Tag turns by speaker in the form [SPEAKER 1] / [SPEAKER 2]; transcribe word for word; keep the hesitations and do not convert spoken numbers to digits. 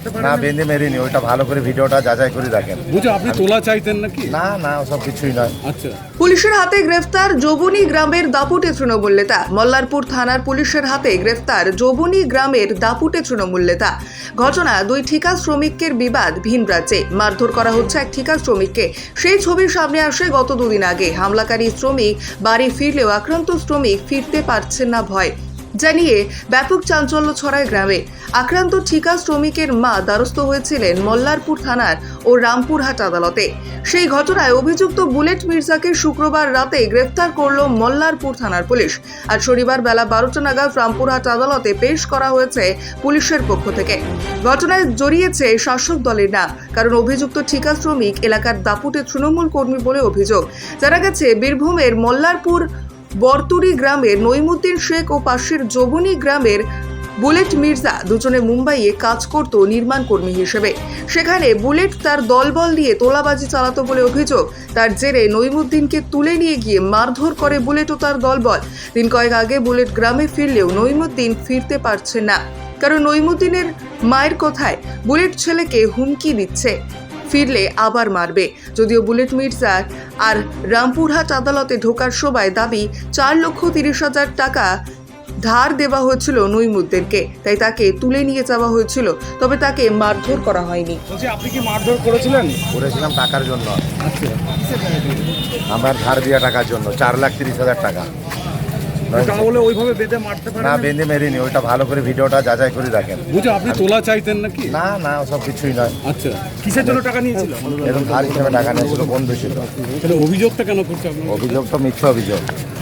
[SPEAKER 1] মারতে পারে
[SPEAKER 2] না বেঁধে মেরিনি, ওইটা ভালো করে ভিডিওটা যাচাই করে দেখেন।
[SPEAKER 1] বুঝো আপনি তোলা চাইতেন নাকি?
[SPEAKER 2] না না ওসব কিছুই নয়।
[SPEAKER 1] আচ্ছা,
[SPEAKER 3] পুলিশের হাতে গ্রেফতার যৌবনী গ্রামের দাপুটে তৃণমূল নেতা। মল্লারপুর থানার পুলিশের হাতে গ্রেফতার যৌবনী গ্রামের দাপুটে তৃণমূল নেতা। ঘটনা, দুই ঠিকা শ্রমিকের বিবাদ ভিন রাজ্যে। মারধর করা হচ্ছে এক ঠিকা শ্রমিককে। সেই ছবি সামনে আসে গত দুদিন আগে। হামলাকারী শ্রমিক বাড়ি ফিরলেও আক্রান্ত শ্রমিক ফিরতে পারছেন না ভয় জানিয়ে ব্যাপক চাঞ্চল্য ছড়ায় গ্রামে। আক্রান্ত ঠিকা শ্রমিকের মা দ্বারস্থ হয়েছিলেন মল্লারপুর থানার ও রামপুরহাট আদালতে। সেই ঘটনায় অভিযুক্ত বুলেট মির্জাকে শুক্রবার রাতে গ্রেফতার করল মল্লারপুর থানার পুলিশ। আর শনিবার বেলা বারোটা নাগাদ রামপুরহাট আদালতে পেশ করা হয়েছে পুলিশের পক্ষ থেকে। ঘটনায় জড়িয়েছে শাসক দলের নাম, কারণ অভিযুক্ত ঠিকা শ্রমিক এলাকার দাপুটে তৃণমূল কর্মী বলে অভিযোগ। জানা গেছে বীরভূমের মল্লারপুর বরতুরি গ্রামের নইমুদ্দিন শেখ ও পাশের যৌবনী গ্রামের বুলেট মির্জা দুজনে মুম্বাইয়ে কাজ করত নির্মাণ কর্মী হিসেবে। সেখানে বুলেট তার দলবল দিয়ে তোলাবাজি চালাতো বলে অভিযোগ। তার জেরে নইমুদ্দিনকে তুলে নিয়ে গিয়ে মারধর করে বুলেট ও তার দলবল। দিন কয়েক আগে বুলেট গ্রামে ফিরলেও নইমুদ্দিন ফিরতে পারছে না, কারণ নইমুদ্দিনের মায়ের কথায় বুলেট ছেলেকে হুমকি দিচ্ছে, ফিরলে আবার মারবে। যদিও বুলেট মির্জার আর রামপুরহাট আদালতে ঢোকার সময় দাবি চার লক্ষ তিরিশ হাজার টাকা ধার দেওয়া হয়েছিল নইমুদ্দিনকে, তাই তাকে তুলে নিয়ে যাওয়া হয়েছিল, তবে তাকে মারধর করা হয়নি।
[SPEAKER 1] বলছি আপনি কি মারধর করেছিলেন?
[SPEAKER 2] করেছিলাম টাকার জন্য,
[SPEAKER 1] আচ্ছা,
[SPEAKER 2] আমার ধার দেওয়া টাকার জন্য চার লাখ তিরিশ হাজার টাকা।
[SPEAKER 1] তাহলে ওইভাবে বেঁধে মারতে পারে
[SPEAKER 2] না বেঁধে মেরিনি, ওইটা ভালো করে ভিডিওটা যাচাই করে দেখেন।
[SPEAKER 1] বুঝো আপনি তোলা চাইতেন নাকি?
[SPEAKER 2] না না ওসব কিছুই নয়।
[SPEAKER 1] আচ্ছা, কিসের জন্য টাকা নিয়েছিল?
[SPEAKER 2] এরকম ধার হিসেবে টাকা নিয়েছিল, বন্ধু ছিল।
[SPEAKER 1] তাহলে অভিযোগটা কেন করছে আপনার?
[SPEAKER 2] অভিযোগ তো মিথ্যা অভিযোগ।